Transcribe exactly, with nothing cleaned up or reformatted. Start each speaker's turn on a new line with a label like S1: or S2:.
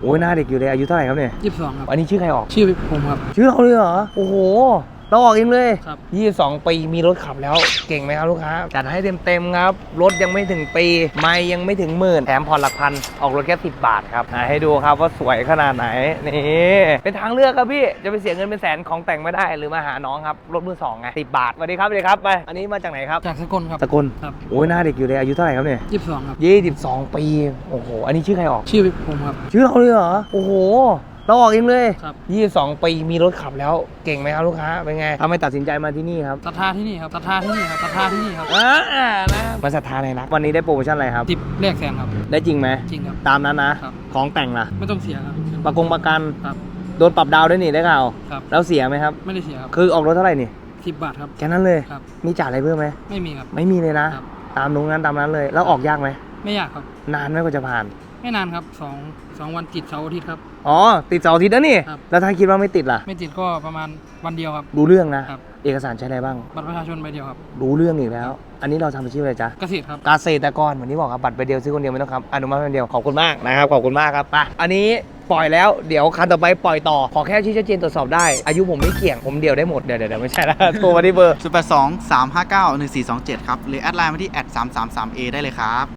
S1: อ้ยหน้าเด็กอยู่เลยอายุเท่าไหร่ครับเนี่ย
S2: ยี่สิบสองครับ
S1: อันนี้ชื่อใครออก
S2: ชื่อผมครับ
S1: ชื่อเราเลยเหรอโอ้โหเราออกเองเลย
S2: ครับ
S1: ยี่สิบสองปีมีรถขับแล้วเก่งไหมครับลูกค้าจัดให้เต็มๆครับรถยังไม่ถึงปีไม่ยังไม่ถึงหมื่นแถมผ่อนหลักพันออกรถแค่สิบบาทครับให้ดูครับว่าสวยขนาดไหนนี่เป็นทางเลือกครับพี่จะไปเสียเงินเป็นแสนของแต่งไม่ได้หรือมาหาน้องครับรถมือสองไงสิบบาทสวัสดีครับสวัสดีครับไปอันนี้มาจากไหนครับ
S2: จากสกลครับ
S1: สกล
S2: ครับ
S1: โอ้ยหน้าเด็กอยู่เลยอายุเท่าไหร่ครับเนี่ย
S2: ยี่สิบสองครับ
S1: ยี่สิบสองปีโอ้โหอันนี้ชื่อใครออก
S2: ชื่อผมครับ
S1: ชื่อเราเลยเหรอโอ้โหเราออกเองเลย
S2: ครับ
S1: ยี่สิบสองปีมีรถขับแล้วเก่งไหมครับลูกค้าเป็นไงทำไมตัดสินใจมาที่นี่ครับ
S2: ศรัทธาที่นี่ครับศรัทธาที่นี่ครับศรัทธาที่นี่ครับ
S1: อ่านะมาศรัทธาในรักวันนี้ได้โปรโมชั่นอะไรครับ
S2: ติบแรกแสนครับ
S1: ได้จริงไหม
S2: จริงครับ
S1: ตามนั้นนะครับของแต่งล่ะ
S2: ไม่ต้องเสียครับ
S1: ประกงประกัน
S2: ครับ
S1: โดนปรับดาวด้วยนี่ได้ข่าว
S2: ครับ
S1: แล้วเสียไหมครับ
S2: ไม่ได้เสียครับ
S1: คือออกรถเท่าไหร่นี่
S2: สิบบาทครับ
S1: แค่นั้นเลย
S2: ครับ
S1: มีจ่ายอะไรเพิ่มไหม
S2: ไม่มีครับ
S1: ไม่มีเลยนะครับตามตรงนั้นตามนั้นเลยแล้วออกยากไหม
S2: ไม่ยากครับ
S1: นานไหมกว่าจะผ่าน
S2: ไม่นานครับสองสองวันติดเสาร์อาทิตย์ครับ
S1: อ๋อติดเสาร์อาทิตย์แล้วนี่
S2: ครับ
S1: แล้วถ้าคิดว่าไม่ติดล่ะ
S2: ไม่ติดก็ประมาณวันเดียวครับ
S1: รู้เรื่องนะครับเอกสารใช้อะไรบ้าง
S2: บัตรประชาชนใบเดียวครับ
S1: รู้เรื่องอีกแล้ว อันนี้เราทำอาชีพอะไรจ๊ะ
S2: เกษตรครับ
S1: เกษตรกรเหมือนที่บอกครับบัตรใบเดียวซื้อคนเดียวไม่ต้องครับอนุมัติคนเดียวขอบคุณมากนะครับขอบคุณมากครับไปอันนี้ปล่อยแล้วเดี๋ยวคันต่อไปปล่อยต่อขอแค่ชี้ชัดเจนตรวจสอบได้อายุผมไม่เกี่ยงผมเดียวได้หมดเดี๋ยวเดี๋ยวไม่ใช่แล้วโทรมาที่เบอร์
S3: ศูนย์ แปด สอง สาม ห้า เก้า หนึ่ง สี่ สอง เจ็ดครับหรือแอดไลน์มาที่แอดสามสามสามเอได้เลยครับ